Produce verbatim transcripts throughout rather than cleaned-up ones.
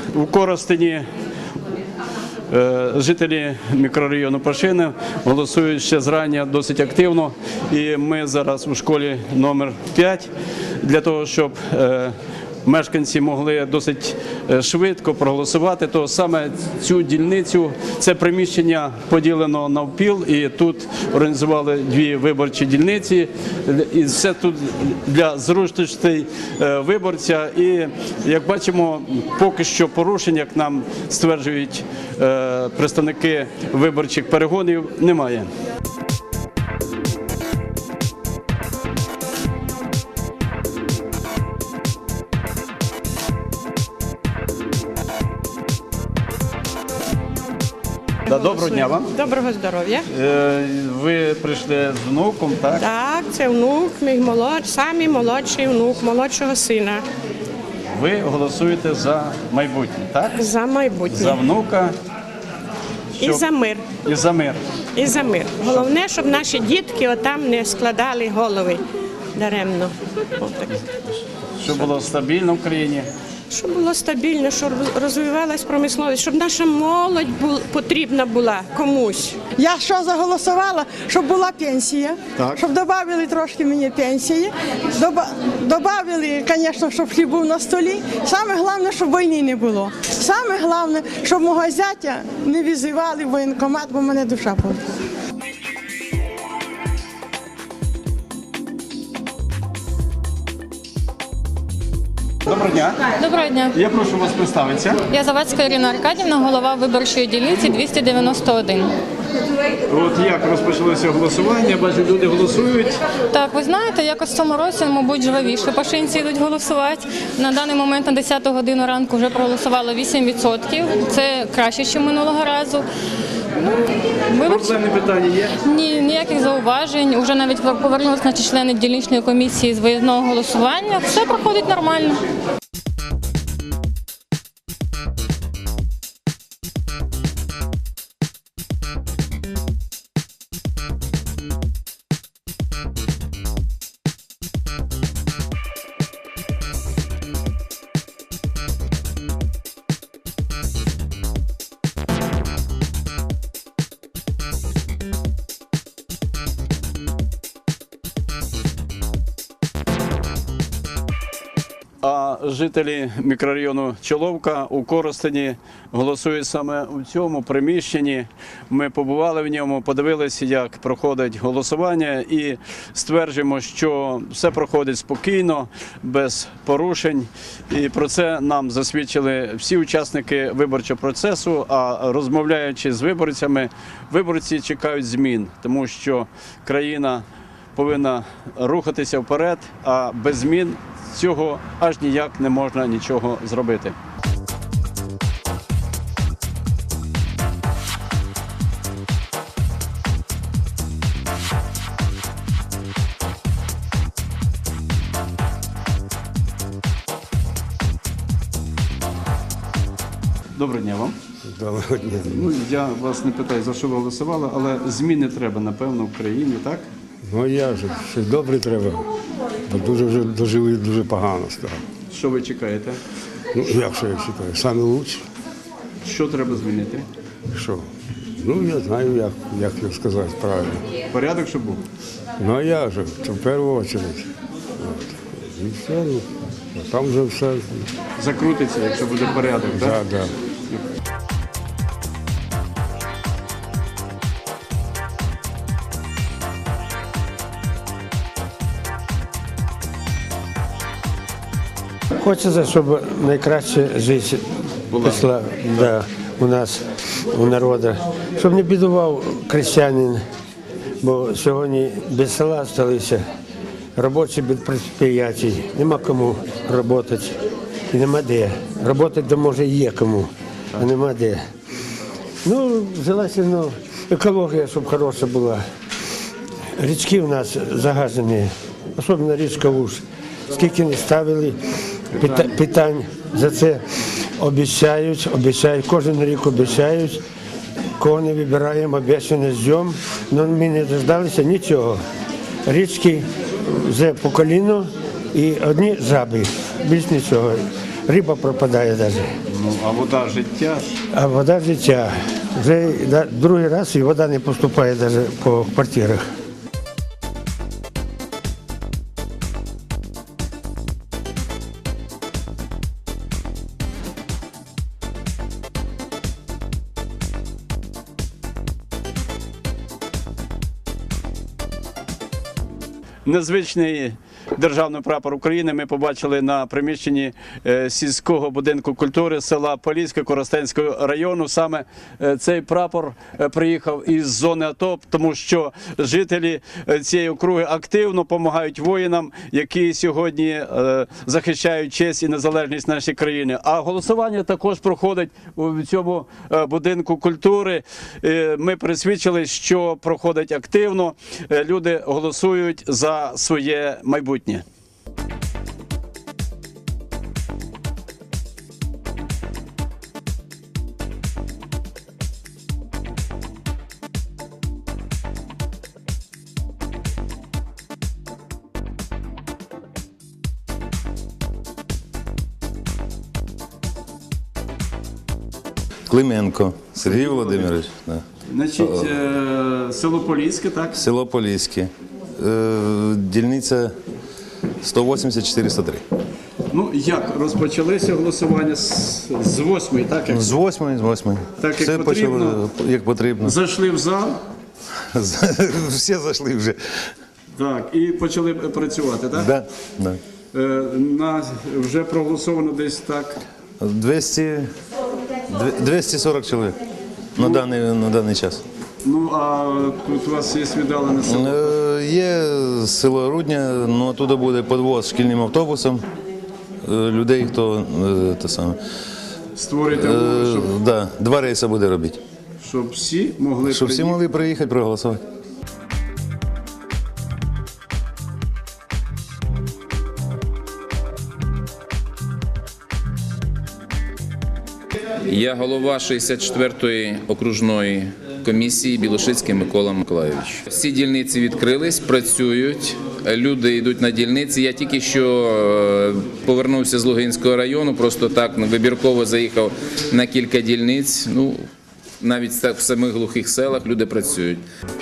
У Коростені жителі мікрорайону Пашини голосують ще зрання досить активно. І ми зараз у школі номер п'ять для того, щоб мешканці могли досить швидко проголосувати, то саме цю дільницю, це приміщення поділено навпіл, і тут організували дві виборчі дільниці, і все тут для зручностей виборця. І, як бачимо, поки що порушень, як нам стверджують представники виборчих перегонів, немає. Доброго дня вам. Доброго здоров'я. Ви прийшли з внуком, так? Так, це внук, мій молодший, самий молодший внук молодшого сина. Ви голосуєте за майбутнє, так? За майбутнє. За внука. Щоб... І за мир. І за мир. І за мир. Головне, щоб наші дітки отам не складали голови даремно. Отак. Щоб було стабільно в країні. Щоб було стабільно, щоб розвивалась промисловість, щоб наша молодь була, потрібна була комусь. Я що заголосувала, щоб була пенсія, так. Щоб додали трошки мені пенсії, додали, звісно, щоб хліб був на столі. Саме головне, щоб війни не було. Саме головне, щоб мого зятя не визивали в воєнкомат, бо в мене душа болить. Доброго дня. Доброго дня. Я прошу вас представитися. Я Завадська Ірина Аркадівна, голова виборчої дільниці двісті дев'яносто один. От як розпочалося голосування, бачу, люди голосують. Так, ви знаєте, якось в цьому році, мабуть, жвавіше пашинці йдуть голосувати. На даний момент на десяту годину ранку вже проголосувало вісім відсотків. Це краще, ніж минулого разу. Ну, проблемні питання є? Ні, ніяких зауважень. Уже навіть повернулися наші члени дільничної комісії з виїзного голосування. Все проходить нормально. А жителі мікрорайону Чоловка у Коростені голосують саме у цьому приміщенні. Ми побували в ньому, подивилися, як проходить голосування, і стверджуємо, що все проходить спокійно, без порушень. І про це нам засвідчили всі учасники виборчого процесу, а розмовляючи з виборцями, виборці чекають змін, тому що країна повинна рухатися вперед, а без змін цього аж ніяк не можна нічого зробити. Доброго дня вам. Доброго дня. Ну, я вас не питаю, за що ви голосували, але зміни треба, напевно, в країні, так? Ну я вже, ще добре треба, бо дуже вже дожили, дуже погано стало. Що ви чекаєте? Ну, як що я вважаю, саме краще. Що треба змінити? Що? Ну, я знаю, як, як це сказати правильно. Порядок, щоб був? Ну, а я же, це в першу чергу. От. І все, ну, а там вже все. Закрутиться, якщо буде порядок, так? Так, так. Хочеться, щоб найкраще життя пішла да, у нас, у народу. Щоб не бідував крестьянин, бо сьогодні без села залишилися, робочі без підприємств, нема кому працювати і нема де. Працювати де може є кому, а нема де. Ну, желательно, екологія, щоб хороша була. Річки у нас загажені, особливо річка Уж. Скільки не ставили питань за це, обіцяють, обіцяють, кожен рік обіцяють, кого не вибираємо, обіцяно ждемо, але ми не дождалися нічого. Річки вже по коліно і одні жаби, більш нічого. риба пропадає навіть. Ну, а вода життя. А вода життя. Вже да, другий раз і вода не поступає навіть по квартирах. Незвичний державний прапор України ми побачили на приміщенні е, сільського будинку культури села Поліське Коростенського району. Саме е, цей прапор е, приїхав із зони АТО, тому що жителі е, цієї округи активно допомагають воїнам, які сьогодні е, захищають честь і незалежність нашої країни. А голосування також проходить у цьому е, будинку культури. Е, Ми пересвідчили, що проходить активно. Е, Люди голосують за своє майбутнє. Клименко Сергій Володимирович. Да. Значить, е, село Поліське, так? Село Поліське. Е, Дільниця сто вісімдесят чотириста три. Ну, як розпочалися голосування з, з восьмої, так? Як З восьмої, з восьмої. Так, як Все потрібно. почало, як потрібно. зайшли в зал, Всі зайшли вже. так, і почали працювати, так? Да, да. Е, на, вже проголосовано десь так. двісті, двісті сорок чоловік на даний, на даний час. Ну, а тут у вас є віддалене село. Е, Є село Рудня, ну оттуда буде підвоз шкільним автобусом е, людей, хто е, те саме. Створюєте Е, умови, щоб, да, два рейси буде робити. щоб всі могли Щоб всі приїхати. могли приїхати проголосувати. Я голова шістдесят четвертої окружної комісії Білошицький Микола Миколайович. Всі дільниці відкрились, працюють, люди йдуть на дільниці. Я тільки що е, повернувся з Лугинського району, просто так ну, вибірково заїхав на кілька дільниць. Ну, навіть в самих глухих селах люди працюють.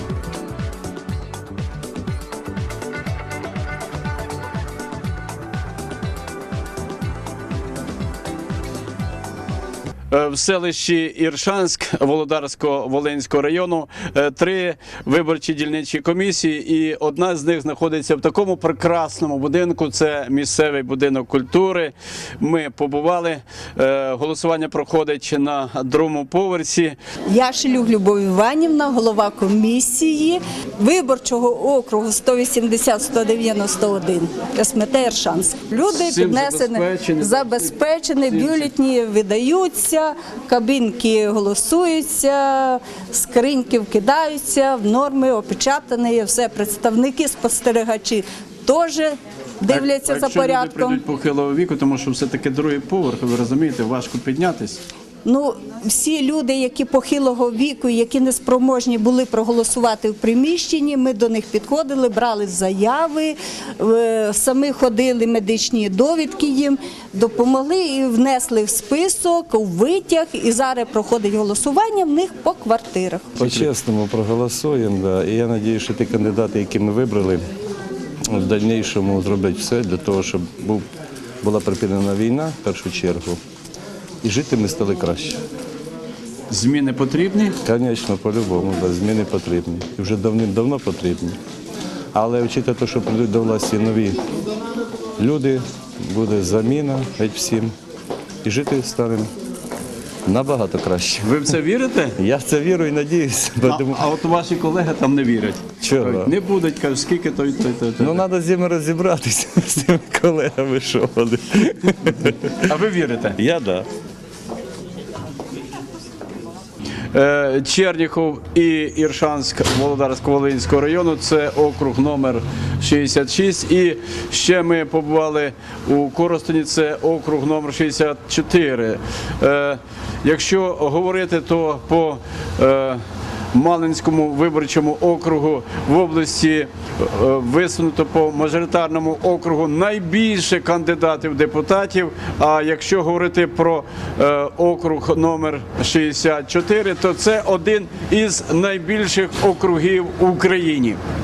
В селищі Іршанськ Володарсько-Волинського району е, три виборчі дільничі комісії, і одна з них знаходиться в такому прекрасному будинку. Це місцевий будинок культури. Ми побували. Е, Голосування проходить на другому поверсі. Яшелюк Любов Іванівна, голова комісії виборчого округу сто вісімдесят сто дев'яносто один СМТ Іршанськ. Люди Всім піднесені, забезпечені. забезпечені, бюлетні видаються, кабінки голосуються, скриньки вкидаються, в норми опечатані, все. Представники, спостерігачі теж дивляться А за якщо люди порядком. прийдуть похилого віку, тому що все-таки другий поверх, ви розумієте, важко піднятись. Ну, всі люди, які похилого віку, які неспроможні були проголосувати в приміщенні, ми до них підходили, брали заяви, е, самі ходили медичні довідки їм, допомогли і внесли в список, у витяг, і зараз проходить голосування в них по квартирах. По-чесному проголосуємо, да. І я сподіваюся, що ті кандидати, які ми вибрали, в дальнішому зроблять все для того, щоб був, була припинена війна в першу чергу. І жити ми стали краще. Зміни потрібні? Звісно, по-любому, да, зміни потрібні. І вже давним-давно потрібні. Але вчити те, що прийдуть до власті нові люди, буде заміна геть всім. І жити станемо набагато краще. Ви в це вірите? Я в це вірю і надіюся. А, а от ваші колеги там не вірять. Чого? Кажуть, не будуть, кажуть, скільки той, той, той. той. Ну, треба з ними розібратися, з тими колегами, що вони. А ви вірите? Я так. Да. Е, Черніхов і Іршанськ Володарсько-Волинського району, це округ номер шістдесят шість. І ще ми побували у Коростені, це округ номер шістдесят чотири. Е, Якщо говорити, то по е, Малинському виборчому округу в області е, висунуто по мажоритарному округу найбільше кандидатів депутатів. А якщо говорити про е, округ номер шістдесят чотири, то це один із найбільших округів в Україні.